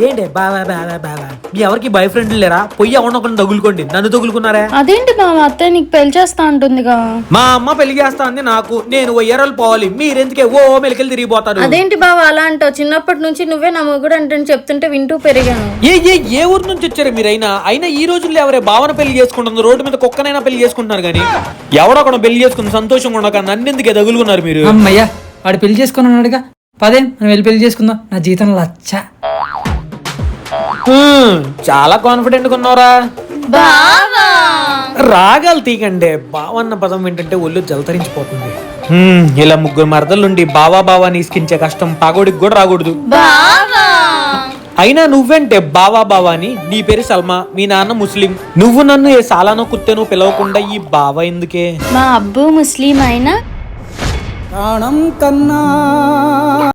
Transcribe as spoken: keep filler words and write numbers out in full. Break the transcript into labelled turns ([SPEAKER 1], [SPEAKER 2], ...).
[SPEAKER 1] ఏంటి బావా బావా బావా మీ ఎవరికి బాయ్ ఫ్రెండ్ లేరా? పొయ్యి ఎవరినొకరిని తగులుకోండి, నన్ను తగులుకున్నారా?
[SPEAKER 2] అదేంటి బావ అత్తయ్య నీకు పెళ్లి చేస్తా అంటుందిగా.
[SPEAKER 1] మా అమ్మ పెళ్లి చేస్తా అంది నాకు, నేను ఎర్రలు పోవాలి, మీరెందుకే ఓ మెలికలు తిరిగిపోతారు?
[SPEAKER 2] అదేంటి బావ అలా అంటావు? చిన్నప్పటి నుంచి నువ్వే నా మొగుడు అంటే చెప్తుంటే వింటూ పెరిగాను.
[SPEAKER 1] ఏ ఏ ఏ ఊరు నుంచి వచ్చారు మీరైనా? అయినా ఈ రోజుల్లో ఎవరే భావన పెళ్లి చేసుకుంటుంది? రోడ్డు మీద కుక్కనైనా పెళ్లి చేసుకుంటున్నారు కానీ ఎవడొకడు పెళ్లి చేసుకుని సంతోషంగా ఉండక నన్నెందుకే తగులుకున్నారు మీరు?
[SPEAKER 3] అమ్మయ్యా వాడు పెళ్లి చేసుకున్నాడుగా, పదే మనం వెళ్ళి పెళ్లి చేసుకుందాం. నా జీతం లచ్చ.
[SPEAKER 1] హ్మ్, చాలా కాన్ఫిడెంట్ గా ఉన్నారా? రాగాలు తీకండి, బావన్న పదం ఏంటంటే ఒళ్ళు జలతరించిపోతుంది. హ్మ్, ఇలా ముగ్గురు మరదలుండి బావా బావా నీస్కించే కష్టం పగోడికి కూడా రాకూడదు. అయినా నువ్వేంటే బావా బావా అని? నీ పేరు సల్మా, మీ నాన్న ముస్లిం, నువ్వు నన్ను ఏ సాలానో కుత్తేనో పిలవకుండా ఈ బావా ఎందుకే?
[SPEAKER 2] మా అబ్బు ముస్లిం అయినా
[SPEAKER 3] ప్రాణం కన్నా